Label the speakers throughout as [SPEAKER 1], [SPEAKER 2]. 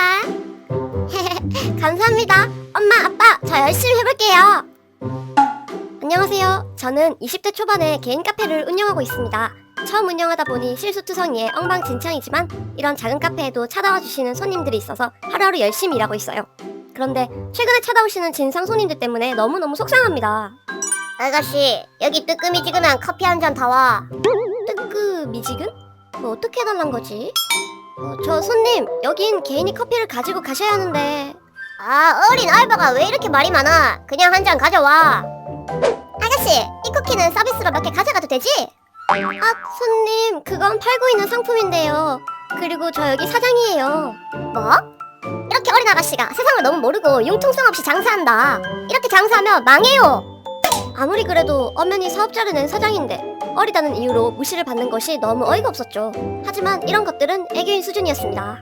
[SPEAKER 1] 감사합니다. 엄마, 아빠, 저 열심히 해볼게요. 안녕하세요. 저는 20대 초반에 개인 카페를 운영하고 있습니다. 처음 운영하다 보니 실수투성이에 엉망진창이지만 이런 작은 카페에도 찾아와 주시는 손님들이 있어서 하루하루 열심히 일하고 있어요. 그런데 최근에 찾아오시는 진상 손님들 때문에 너무너무 속상합니다.
[SPEAKER 2] 아가씨, 여기 뜨끔이지근한 커피 한 잔 다 와.
[SPEAKER 1] 뜨끔이지근? 뭐 어떻게 해달란 거지? 저 손님, 여긴 개인이 커피를 가지고 가셔야 하는데.
[SPEAKER 2] 아, 어린 알바가 왜 이렇게 말이 많아? 그냥 한 잔 가져와. 아가씨, 이 쿠키는 서비스로 몇 개 가져가도 되지?
[SPEAKER 1] 아, 손님, 그건 팔고 있는 상품인데요. 그리고 저 여기 사장이에요.
[SPEAKER 2] 뭐? 이렇게 어린 아가씨가 세상을 너무 모르고 융통성 없이 장사한다. 이렇게 장사하면 망해요.
[SPEAKER 1] 아무리 그래도 엄연히 사업자를 낸 사장인데 어리다는 이유로 무시를 받는 것이 너무 어이가 없었죠. 하지만 이런 것들은 애교인 수준이었습니다.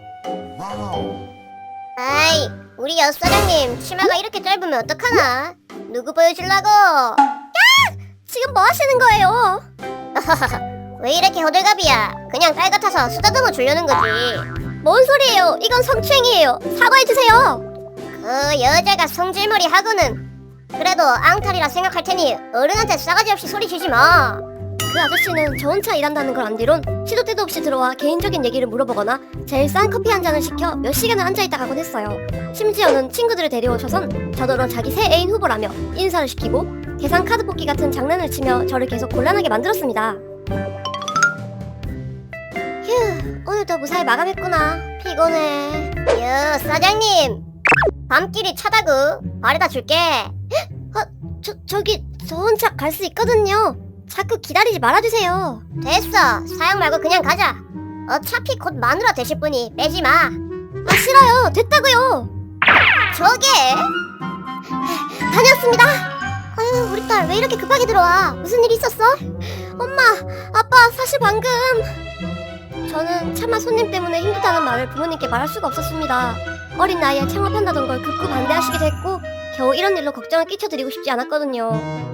[SPEAKER 2] 아이, 우리 여 사장님 치마가 이렇게 짧으면 어떡하나? 누구 보여주려고?
[SPEAKER 1] 지금 뭐 하시는 거예요?
[SPEAKER 2] 왜 이렇게 호들갑이야? 그냥 딸 같아서 쓰다듬어 주려는 거지.
[SPEAKER 1] 뭔 소리예요? 이건 성추행이에요. 사과해주세요.
[SPEAKER 2] 그 여자가 성질머리 하고는 그래도 앙탈이라 생각할 테니 어른한테 싸가지 없이 소리 지지 마.
[SPEAKER 1] 그 아저씨는 저 혼자 일한다는 걸 안 뒤론 시도 때도 없이 들어와 개인적인 얘기를 물어보거나 제일 싼 커피 한 잔을 시켜 몇 시간을 앉아있다 가곤 했어요. 심지어는 친구들을 데려오셔선 저더러 자기 새 애인 후보라며 인사를 시키고 계산 카드 뽑기 같은 장난을 치며 저를 계속 곤란하게 만들었습니다. 휴, 오늘도 무사히 마감했구나. 피곤해.
[SPEAKER 2] 여 사장님, 밤길이 차다구 바래다 줄게.
[SPEAKER 1] 저기 저 혼자 갈 수 있거든요. 자꾸 기다리지 말아주세요.
[SPEAKER 2] 됐어, 사양 말고 그냥 가자. 어차피 곧 마누라 되실 분이 빼지 마.
[SPEAKER 1] 아, 싫어요. 됐다고요.
[SPEAKER 2] 저게
[SPEAKER 1] 다녀왔습니다. 아유, 우리 딸 왜 이렇게 급하게 들어와? 무슨 일 있었어? 엄마, 아빠, 사실 방금 저는 차마 손님 때문에 힘들다는 말을 부모님께 말할 수가 없었습니다. 어린 나이에 창업한다던 걸 극구 반대하시기도 했고 겨우 이런 일로 걱정을 끼쳐드리고 싶지 않았거든요.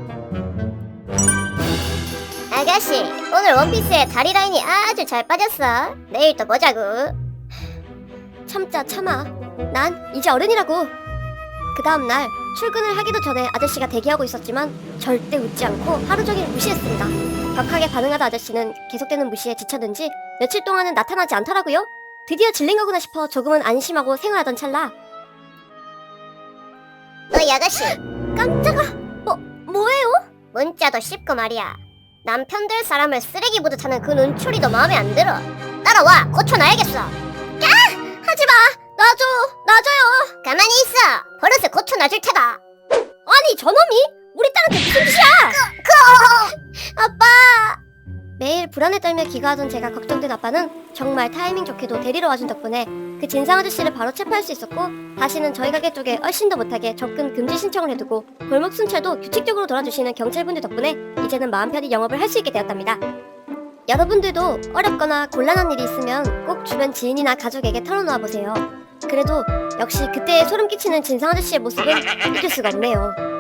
[SPEAKER 2] 아가씨, 오늘 원피스에 다리 라인이 아주 잘 빠졌어. 내일 또 보자고.
[SPEAKER 1] 참자 참아. 난 이제 어른이라고. 그 다음날 출근을 하기도 전에 아저씨가 대기하고 있었지만 절대 웃지 않고 하루 종일 무시했습니다. 격하게 반응하다 아저씨는 계속되는 무시에 지쳤는지 며칠 동안은 나타나지 않더라고요. 드디어 질린 거구나 싶어 조금은 안심하고 생활하던 찰나.
[SPEAKER 2] 너희 아가씨,
[SPEAKER 1] 깜짝아. 뭐예요?
[SPEAKER 2] 문자도 씹고 말이야. 남편 될 사람을 쓰레기 보듯 하는 그 눈초리도 마음에 안 들어. 따라와, 고쳐놔야겠어.
[SPEAKER 1] 하지마. 놔줘요.
[SPEAKER 2] 가만히 있어. 버릇을 고쳐놔줄 테다.
[SPEAKER 1] 아니 저놈이 우리 딸한테 무슨 짓이야? 아빠. 매일 불안에 떨며 귀가하던 제가 걱정된 아빠는 정말 타이밍 좋게도 데리러 와준 덕분에 그 진상 아저씨를 바로 체포할 수 있었고 다시는 저희 가게 쪽에 얼씬도 못하게 접근 금지 신청을 해두고 골목 순찰도 규칙적으로 돌아주시는 경찰분들 덕분에 이제는 마음 편히 영업을 할 수 있게 되었답니다. 여러분들도 어렵거나 곤란한 일이 있으면 꼭 주변 지인이나 가족에게 털어놓아 보세요. 그래도 역시 그때의 소름 끼치는 진상 아저씨의 모습은 잊을 수가 없네요.